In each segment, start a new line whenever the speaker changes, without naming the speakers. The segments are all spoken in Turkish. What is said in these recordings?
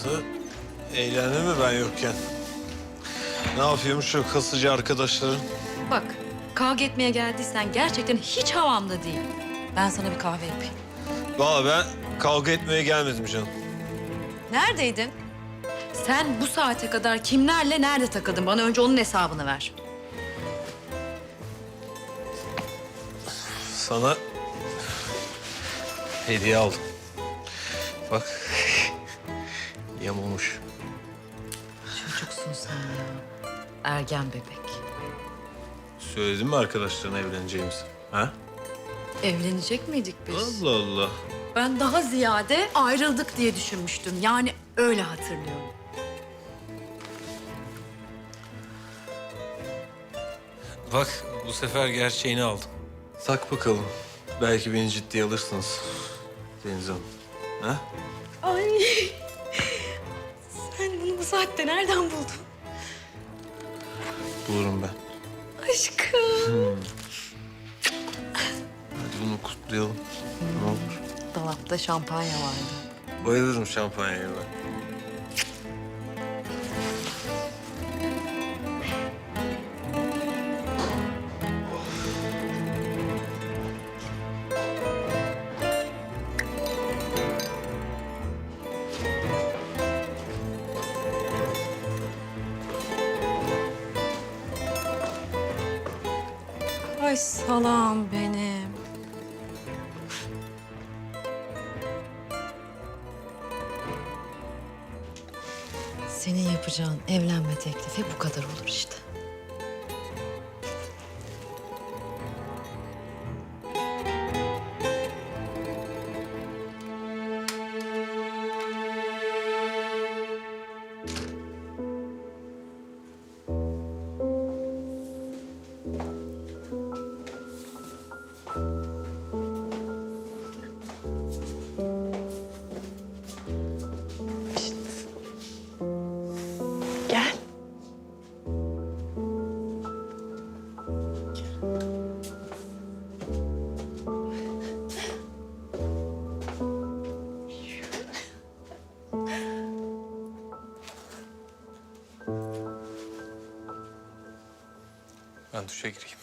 Nasıl? Eğlendi mi ben yokken? Ne yapıyormuş o kasıcı arkadaşların?
Bak, kavga etmeye geldiysen gerçekten hiç havamda değil. Ben sana bir kahve yapayım.
Vallahi ben kavga etmeye gelmedim canım.
Neredeydin? Sen bu saate kadar kimlerle nerede takıldın? Bana önce onun hesabını ver.
Sana hediye aldım. Bak, yamulmuş.
Çocuksun sen ya. Ergen bebek.
Söyledin mi arkadaşlarına evleneceğimizi? Ha?
Evlenecek miydik biz?
Allah Allah.
Ben daha ziyade ayrıldık diye düşünmüştüm. Yani öyle hatırlıyorum.
Bak, bu sefer gerçeğini aldım. Tak bakalım. Belki beni ciddiye alırsınız Deniz Hanım. Ha?
Ay. Sen bunu bu saatte nereden buldun?
Bulurum ben.
Aşkım.
Hadi bunu kutlayalım. Ne olur.
Dolapta şampanya vardı.
Bayılırım şampanyaya ben.
Ay salam benim. Senin yapacağın evlenme teklifi bu kadar olur işte. Gel.
Ben duşa gireyim.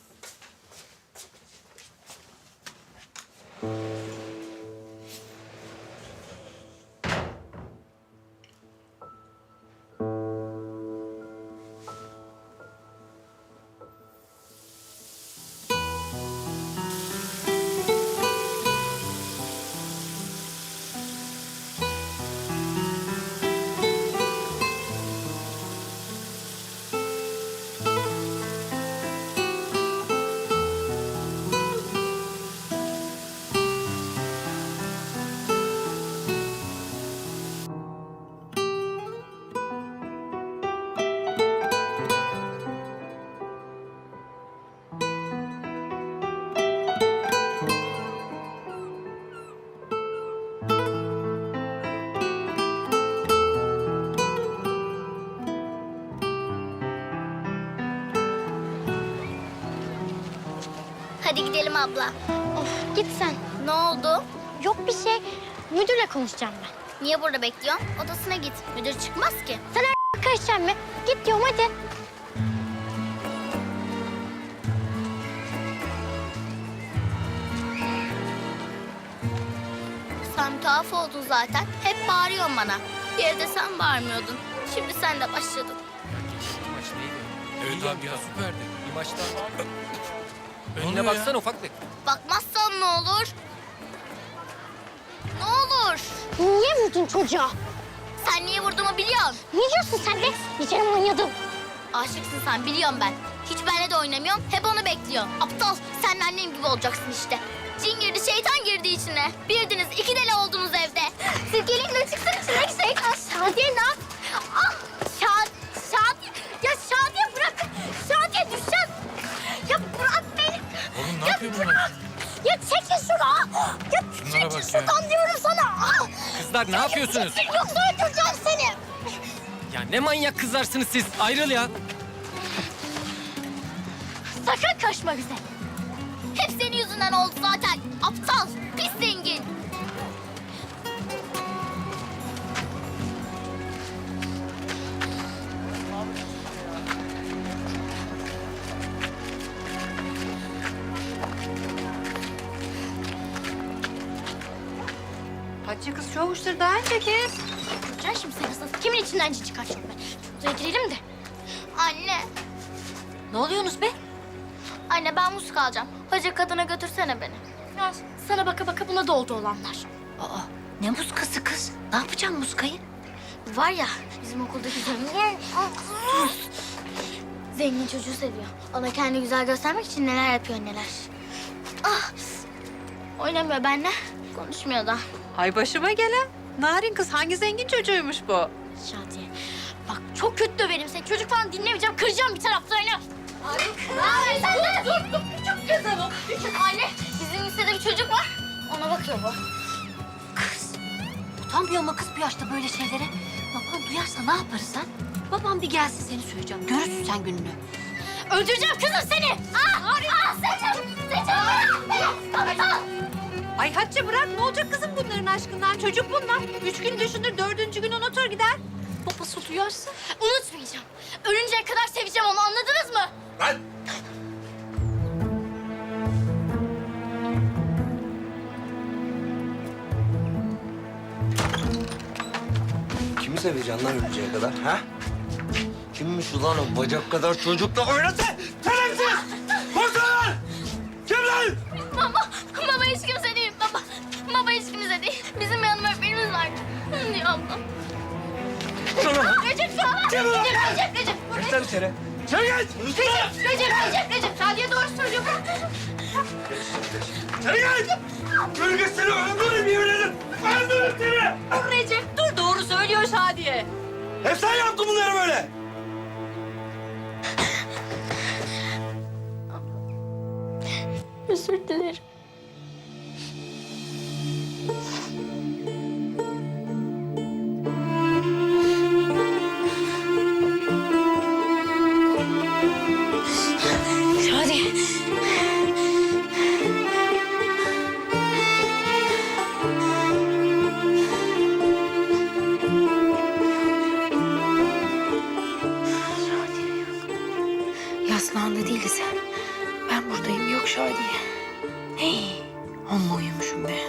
Hadi gidelim abla.
Of git sen.
Ne oldu?
Yok bir şey. Müdürle konuşacağım ben.
Niye burada bekliyorsun? Odasına git. Müdür çıkmaz ki.
Sen karışacaksın mı? Git diyorum hadi.
Sen tuhaf oldun zaten. Hep bağırıyorsun bana. Bir yerde sen bağırmıyordun. Şimdi sen de başladın.
Maç neydi?
Evet abi ya süperdi.
Bir maçta
oluyor
önüne
ya?
baksana ufaklık.
Bakmazsan ne olur? Ne olur?
Niye vurdun çocuğa?
Sen niye vurduğumu biliyorsun.
Ne diyorsun sen de? Bir kere oynadım.
Aşıksın sen, biliyorum ben. Hiç benimle de oynamıyorsun, hep onu bekliyorsun. Aptal, sen de annem gibi olacaksın işte. Cin girdi, şeytan girdi içine. Birdiniz, iki deli oldunuz evde. Sirkeliğinle çıksın içine gitsek.
Şadiye ne yap? Ah Şadiye. Ya Şadiye bırak. Şadiye düşeceğiz. Ya bırak beni.
Oğlum ne yapıyor bunlar?
Ya çekil şunu. Ya
Şunlara
çekil
bak
şuradan diyorum sana. Ah!
Kızlar ne yapıyorsunuz?
Yoksa öldüreceğim seni.
Ya ne manyak kızlarsınız siz. Ayrıl ya.
Sakın kaçma bize.
Hep senin yüzünden oldu zaten. Aptal, pis zengin.
Hatice kız çoğuştur daha önce kız.
Göreceksin şimdi sen nasıl. Kimin içinden cin çıkartıyorum ben. Şuraya girelim de.
Anne,
Ne oluyorsunuz be?
anne ben musluk alacağım. Hoca kadına götürsene beni.
Ya sana baka baka buna da oldu olanlar.
Aa, ne muskası kız? Ne yapacaksın muskayı?
Var ya bizim okuldaki zengin. Zengin çocuğu seviyor. Ona kendini güzel göstermek için neler yapıyor neler. Ah! Oynamıyor benimle. Konuşmuyor da.
Ay başıma gelen. Narin kız hangi zengin çocuğuymuş bu?
Şadiye. Bak çok kötü döverim seni. Çocuk falan dinlemeyeceğim. Kıracağım bir taraflarını.
Ay, sen de dur. Küçük kızım o. Anne, bizim lisede bir çocuk var. Ona bakıyor bu.
Kız, utanmıyor mu kız bu yaşta böyle şeylere? Baban duyarsa ne yaparız ha? Babam bir gelsin seni söyleyeceğim. Görürsün sen gününü.
Öldüreceğim kızım seni.
Ay Hatice bırak ne olacak kızım bunların aşkından? Çocuk bunlar. 3 gün düşünür, 4. gün unutur gider. Babası duyarsa.
Unutmayacağım. Ölünceye kadar seveceğim onu anladınız mı?
Kimi seveceksin lan ölünceye kadar ha? Kimmiş ulan o bacak kadar çocukla oynatı? Şerefsiz! Koşun! Kim lan?
Baba hiç kimse değil baba. Baba hiç kimse değil. Bizim yanım öğretmenimiz var. Diyor ablam. Recep sana.
Kim ulan?
Recep.
Geç lan içeri. İçeri geç!
Recep. Sadiye doğru söylüyor.
İçeri geç! Gölgesini öldürürüm yemin ederim! Öldürürüm seni!
Recep dur doğru söylüyor Şadiye.
Hep sen yaptın bunları böyle!
Özür dilerim.
Şadiye. Yaslandı değiliz. Ben buradayım yok Şadiye. Hey, amma uyumuşum be.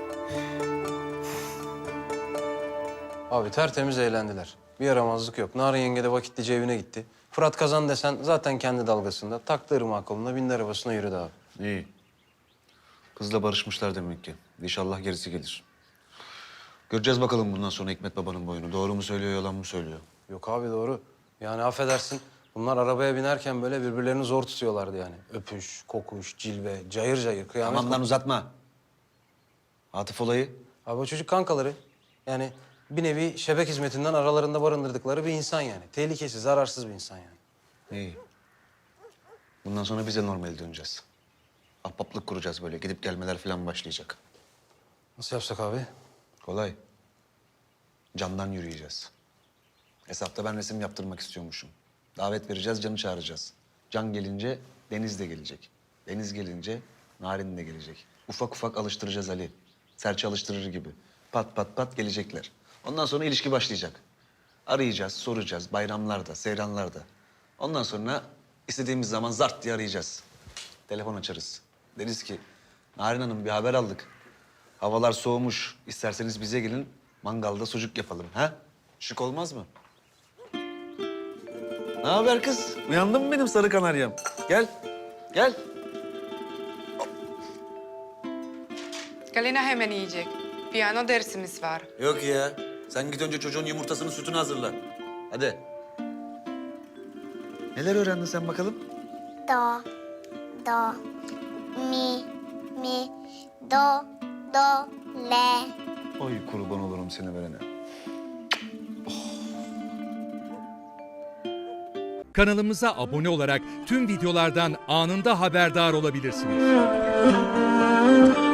Abi tertemiz eğlendiler. Bir yaramazlık yok. Narin yenge de vakitlice evine gitti. Fırat Kazan desen zaten kendi dalgasında. Taktı ırmağı koluna, bindi arabasına yürüdü abi.
İyi. Kızla barışmışlar demek ki. İnşallah gerisi gelir. Göreceğiz bakalım bundan sonra Hikmet babanın boyunu. Doğru mu söylüyor, yalan mı söylüyor?
Yok abi doğru. Yani affedersin. Bunlar arabaya binerken böyle birbirlerini zor tutuyorlardı yani. Öpüş, kokuş, cilve, cayır cayır, kıyamet.
Tamam lan uzatma. Atıf olayı.
Abi o çocuk kankaları. Yani bir nevi şebek hizmetinden aralarında barındırdıkları bir insan yani. Tehlikesiz, zararsız bir insan yani.
İyi. Bundan sonra biz de normale döneceğiz. Ahbaplık kuracağız böyle. Gidip gelmeler falan başlayacak.
Nasıl yapsak abi?
Kolay. Candan yürüyeceğiz. Hesapta ben resim yaptırmak istiyormuşum. Davet vereceğiz, Can'ı çağıracağız. Can gelince Deniz de gelecek. Deniz gelince Narin de gelecek. Ufak ufak alıştıracağız Ali. Serçe alıştırır gibi. Pat pat pat gelecekler. Ondan sonra ilişki başlayacak. Arayacağız, soracağız bayramlarda, seyranlarda. Ondan sonra istediğimiz zaman zart diye arayacağız. Telefon açarız. Deriz ki Narin Hanım bir haber aldık. Havalar soğumuş. İsterseniz bize gelin mangalda sucuk yapalım. Ha? Şık olmaz mı? Ne haber kız? Uyandın mı benim sarı kanaryam? Gel. Gel.
Galina hemen yiyecek. Piyano dersimiz var.
Yok ya. Sen git önce çocuğun yumurtasını, sütünü hazırla. Hadi. Neler öğrendin sen bakalım?
Do, mi, do, le.
Oy kurban olurum seni verene.
Kanalımıza abone olarak tüm videolardan anında haberdar olabilirsiniz.